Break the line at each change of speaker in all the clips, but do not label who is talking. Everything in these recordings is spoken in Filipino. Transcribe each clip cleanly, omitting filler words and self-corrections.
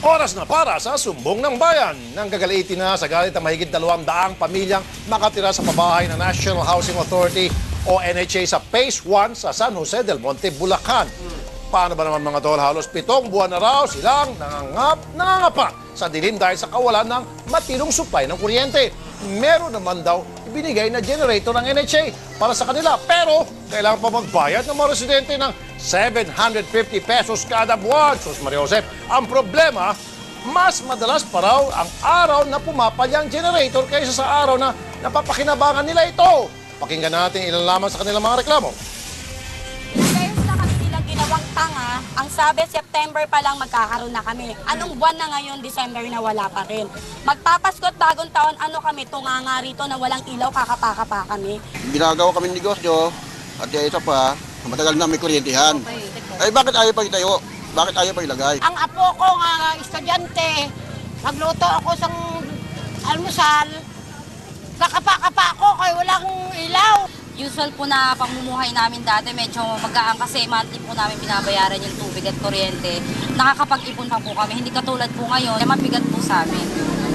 Oras na para sa Sumbong ng Bayan. Nang gagalitin na sa galit ang mahigit 200 pamilyang makatira sa pabahay ng National Housing Authority o NHA sa Phase 1 sa San Jose del Monte, Bulacan. Paano ba naman mga tol? Halos 7 buwan na raw silang nangangapa sa dilim dahil sa kawalan ng matinong supply ng kuryente. Meron naman daw ibinigay na generator ng NHA para sa kanila. Pero kailangan pa magbayad ng mga residente ng 750 pesos kada buwan. Sus Maria Josep, ang problema, mas madalas pa raw ang araw na pumapalya ang generator kaysa sa araw na napapakinabangan nila ito. Pakinggan natin ilan lamang sa kanilang mga reklamo.
Ginawang tanga, ang sabi September pa lang magkakaroon na kami. Anong buwan na ngayon, December na wala pa rin. Magpapaskot bagong taon, ano kami, tunganga rito na walang ilaw, kakapaka pa kami.
Ginagawa kami negosyo at isa pa, matagal na may kuryentehan. Ay bakit ayaw pa itayo? Bakit ayaw pa ilagay?
Ang apo ko nga estudyante, nagluto ako sa almusal, kakapa-kapa ako kaya walang ilaw.
Usual po na pamumuhay namin dati, medyo magaan kasi monthly po namin binabayaran yung tubig at kuryente. Nakakapag-ipon pa po kami, hindi katulad po ngayon, na mabigat po sa amin.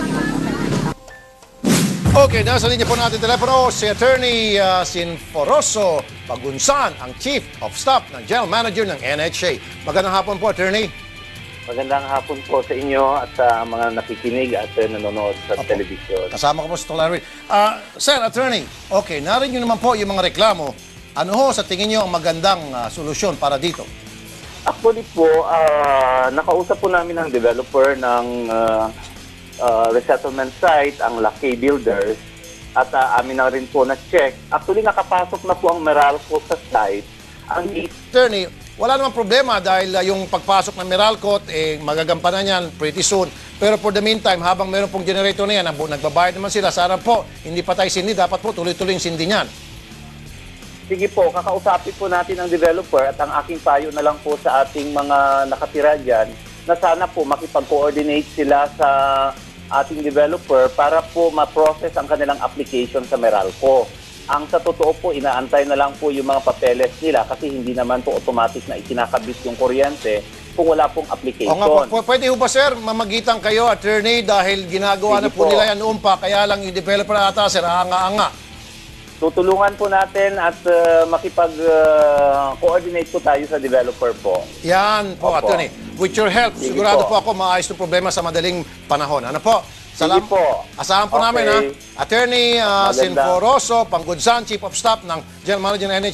Okay, nasa linya po natin telepono si Attorney Sinforoso Pagunsan, ang Chief of Staff ng General Manager ng NHA. Magandang hapon po, Attorney.
Magandang hapon po sa inyo at sa mga nakikinig at nanonood sa telebisyon.
Kasama ko po si Larry. Sir, Attorney, okay, narinig nyo naman po yung mga reklamo. Ano ho sa tingin nyo ang magandang solusyon para dito?
Actually po, nakausap po namin ang developer ng resettlement site, ang Lucky Builders, at amin na rin po na-check. Actually, nakapasok na po ang Meralco sa site.
Attorney, wala namang problema dahil yung pagpasok ng Meralco, magagampanan yan pretty soon. Pero for the meantime, habang meron pong generator na yan, nagbabayad naman sila, sana po, hindi pa tayo sindi, dapat po tuloy-tuloy yung sindi niyan.
Sige po, kakausapin po natin ang developer at ang aking payo na lang po sa ating mga nakatira dyan na sana po makipag-coordinate sila sa ating developer para po ma-process ang kanilang application sa Meralco. Ang sa totoo po, inaantay na lang po yung mga papeles nila kasi hindi naman po automatic na ikinakabit yung kuryente kung wala pong application.
O nga, pwede ho ba sir, mamagitan kayo, Attorney, dahil ginagawa na po nila yan noon pa, kaya lang yung developer ata, sir, anga-anga.
Tutulungan po natin at makipag-coordinate po tayo sa developer po.
Yan po,
Opo.
Attorney. With your help,
Sige
sigurado
po.
po ako maayos ng problema sa madaling panahon. Ano po?
Sige po.
Asahan po
Okay.
namin, ha? Attorney
Maganda.
Sinforoso Pagunsan, Chief of Staff ng General Manager ng NHA.